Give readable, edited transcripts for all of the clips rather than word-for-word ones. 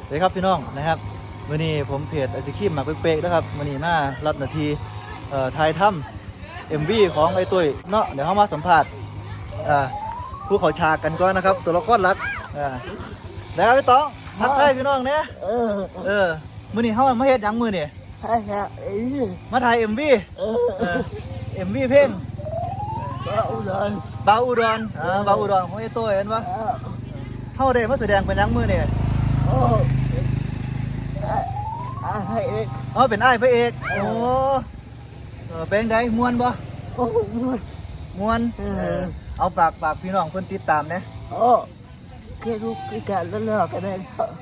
สวัสดีครับพี่น้องนะครับวันนี้ผมเพจไอซิคิมมาเป๊กๆนะครับวันนี้มารับหน้าที่ถ่ายทำMVของไอ้ตุ้ยเนาะเดี๋ยวเขามาสัมภาษณ์ผู้เขาฉากกันก่อนนะครับตัวละครหลักแล้วพี่ต้องทักทายพี่น้องเนี่ยมื้อนี้เขามาเฮ็ดหยังมื้อนี่มาถ่ายMV MV เพลงบาวอุดรบาวอุดรของไอ้ตุ้ยเห็นปะเขาได้มาแสดงเป็นหยังมื้อนี่เป็นอ้ายพระเอกโอ้เป็นไงม่วนบ่ม่วนเอาฝากพี่น้องเพิ่นติดตามนะแค่ลูกพิการแล้วเลิกกันได้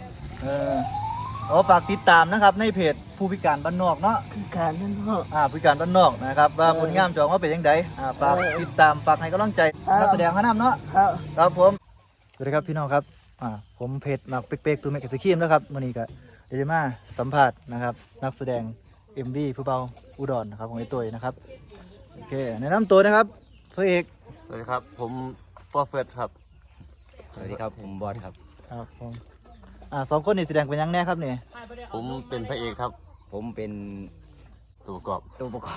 ฝากติดตามนะครับในเพจผู้พิการบ้านนอกเนาะพิการนั่นเนาะผู้พิการบ้านนอกนะครับว่าผลงานจองว่าเป็นยังไงฝากติดตามฝากให้กำลังใจนักแสดงพระนำเนาะครับผมสวัสดีครับพี่น้องครับผมเพจหมักเป๊กๆตัวเมกะสกีมนะครับวันนี้ก็เดี๋ยวจะมาสัมภาษณ์นะครับนักแสดงMV ผู้เบาอุดรนะครับของไอ้ตุ้ยนะครับโอเคแนะนำตัวนะครับพระเอกสวัสดีครับผมฟอร์เฟิร์สครับสวัสดีครับผมบอสครับครับผมสองคนนี่แสดงเป็นยังแน่ครับเนี่ยผมเป็นพระเอกครับผมเป็นตัวประกอบ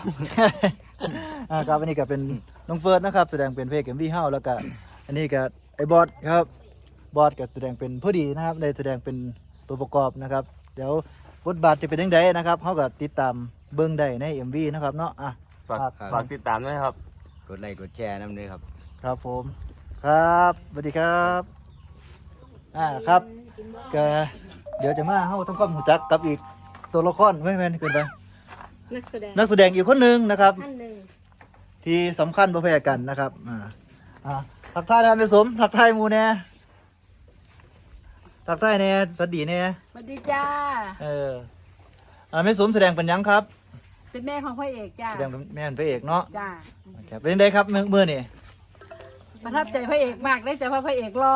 ครับอันนี้ก็เป็นน้องเฟิร์สนะครับแสดงเป็นพระเอกMV เฮาแล้วก็อันนี้ก็ไอ้บอสครับบอสก็แสดงเป็นผู้ดีนะครับได้แสดงเป็นตัวประกอบนะครับเดี๋ยวบทบาทจะเป็นยังไงนะครับเขาก็ติดตามเบิ้งได้ในMVนะครับเนาะฝากติดตามด้วยครับกดไลค์กดแชร์น้ำด้วยครับครับผมครับสวัสดีครับครับก็เดี๋ยวจะมาเข้าทำความรู้จักกับอีกตัวละครไม่แม่นเกินไปนักแสดงอีกคนหนึ่งนะครับที่สำคัญประเภทกันนะครับทักทายนะเป็นสมทักทายมูแน่ทักทายแน่สวัสดีแน่สวัสดีจ้าไม่สมแสดงเป็นยังครับเป็นแม่ของพระเอกจ้าแสดงเป็นแม่พระเอกเนาะจ้าเป็นยังไงครับเมื่อนี่ประทับใจพระเอกมากได้ใจเพราะพระเอกรอ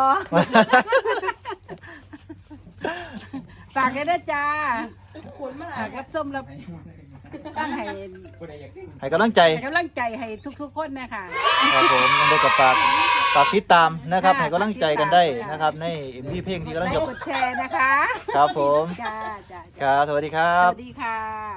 ฝากกันด้วยจ้าครับส้มแล้วตั้งให้กำลังใจให้ทุกคนนะคะครับผมยังได้กับฝากติดตามนะครับให้กำลังใจกันได้นะครับในMVเพลงที่กำลังจะกดแชร์นะคะครับผมครับสวัสดีครับสวัสดีค่ะ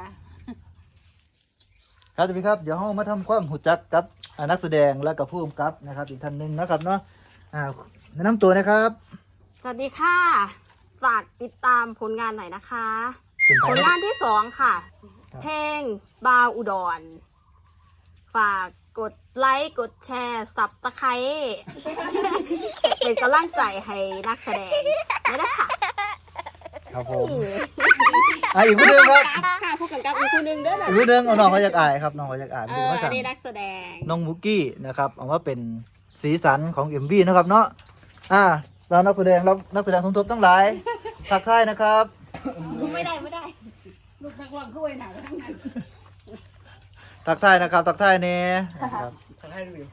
ครับสวัสดีครับเดี๋ยวเรามาทำความรู้จักกับนักแสดงและกับผู้กำกับนะครับอีกท่านหนึ่งนะครับเนาะแนะนำตัวนะครับสวัสดีค่ะฝากติดตามผลงานหน่อยนะคะผลงานที่2ค่ะเพลงบาวอุดรฝากกดไลค์กดแชร์สับตะไคร้เป็นกำลังใจให้นักแสดงได้ค่ะครับผมอีกคนหนึ่งครับค่ะผู้กำกับอีกคนหนึ่งด้วยนะอีกคนหนึ่งน้องเขาอยากอายครับน้องเขาอยากอายเป็นภาษานักแสดงน้องมุกกี้นะครับเอาว่าเป็นสีสันของMVนะครับเนาะเรานักแสดงสมทบทั้งหลายทักทายนะครับไม่ได้ลูกนักร้องขึ้นไปหนาทั้งนั้นทักทายนะครับทักทายเนี่ยครับทักทายดูอยู่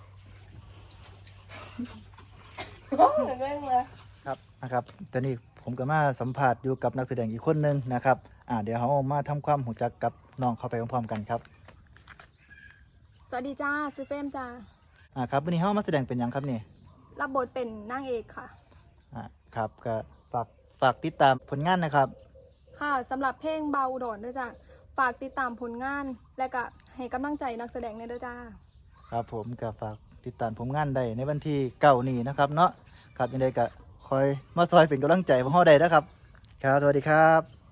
ครับนะครับตอนนี้ผมก็มาสัมผัสอยู่กับนักแสดงอีกคนนึงนะครับเดี๋ยวเขามาทำความรู้จักกับน้องเข้าไปพร้อมๆกันครับสวัสดีจ้าซื้อเฟมจ้าครับวันนี้เขามาแสดงเป็นยังครับนี่รับบทเป็นนางเอกค่ะครับก็ฝากติดตามผลงานนะครับค่ะสำหรับเพลงเบาอุดรด้วยจ้าฝากติดตามผลงานและก็ให้กำลังใจนักแสดงในด้วยจ้าครับผมก็ฝากติดตามผลงานได้ในวันที่9นี้นะครับเนาะครับยังไงก็คอยมาซอยเป็นกำลังใจพวกเราได้นะครับครับสวัสดีครับ